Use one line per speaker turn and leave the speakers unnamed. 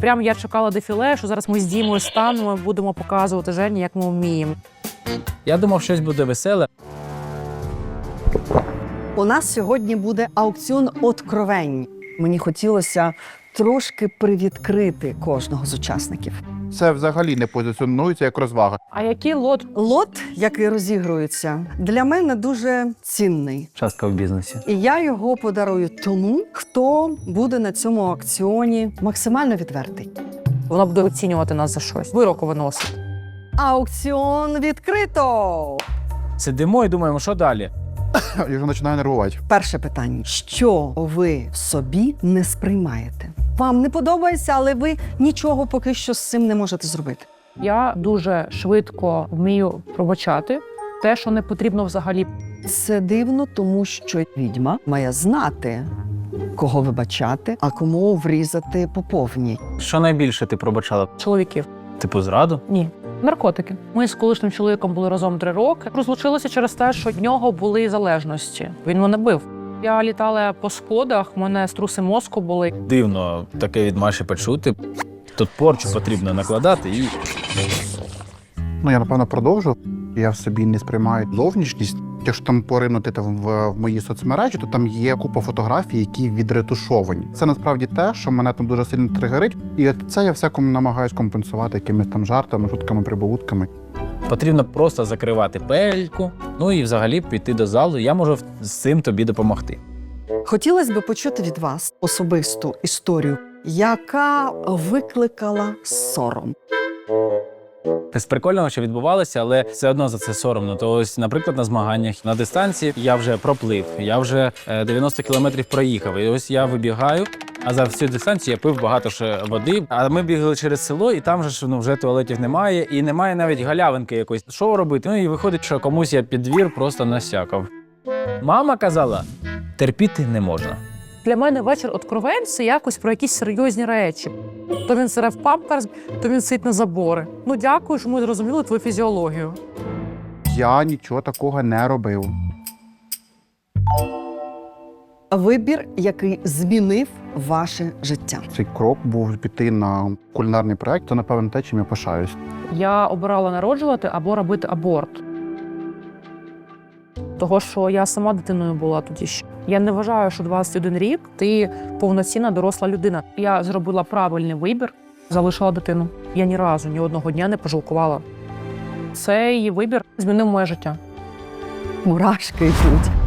Прям я чекала дефіле, що зараз ми з Дімою станемо, будемо показувати Жені, як ми вміємо.
Я думав, щось буде веселе.
У нас сьогодні буде аукціон откровень. Мені хотілося трошки привідкрити кожного з учасників.
Це взагалі не позиціонується як розвага.
А який лот?
Лот, який розігрується, для мене дуже цінний.
Частка в бізнесі.
І я його подарую тому, хто буде на цьому аукціоні максимально відвертий.
Вона буде оцінювати нас за щось. Вироку виносить.
Аукціон відкрито!
Сидимо і думаємо, що далі?
Я вже починаю нервувати.
Перше питання. Що ви в собі не сприймаєте? Вам не подобається, але ви нічого поки що з цим не можете зробити.
Я дуже швидко вмію пробачати те, що не потрібно взагалі.
Це дивно, тому що відьма має знати, кого вибачати, а кому врізати по повній.
Що найбільше ти пробачала?
Чоловіків.
Типу зраду?
Ні. Наркотики. Ми з колишнім чоловіком були разом 3 роки. Розлучилися через те, що в нього були залежності. Він мене бив. Я літала по сходах, в мене струси мозку були.
Дивно таке від Маші почути. Тут порчу потрібно накладати і...
Я, напевно, продовжу. Я в собі не сприймаю зовнішність. Якщо там поринути в мої соцмережі, то там є купа фотографій, які відретушовані. Це насправді те, що мене там дуже сильно тригерить. І це я всякому намагаюсь компенсувати якимись там жартами, шутками, прибаутками.
Потрібно просто закривати пельку, ну і взагалі піти до залу. Я можу з цим тобі допомогти.
Хотілося б почути від вас особисту історію, яка викликала сором.
З прикольного, що відбувалося, але все одно за це соромно. То ось, наприклад, на змаганнях на дистанції я вже проплив, я вже 90 кілометрів проїхав. І ось я вибігаю, а за всю дистанцію я пив багато ще води. А ми бігали через село, і там же вже туалетів немає, і немає навіть галявинки якоїсь. Що робити? Ну і виходить, що комусь я під двір просто насякав. Мама казала, терпіти не можна.
Для мене вечір откровень – це якось про якісь серйозні речі. То він сире в памперс, то він сидить на забори. Дякую, що ми зрозуміли твою фізіологію.
Я нічого такого не робив.
Вибір, який змінив ваше життя.
Цей крок був піти на кулінарний проект, то, напевно, те, чим я пишаюсь.
Я обирала народжувати або робити аборт. Того, що я сама дитиною була тоді ще. Я не вважаю, що 21 рік ти повноцінна доросла людина. Я зробила правильний вибір, залишила дитину. Я ні разу, ні одного дня не пожалкувала. Цей вибір змінив моє життя.
Мурашки йдуть.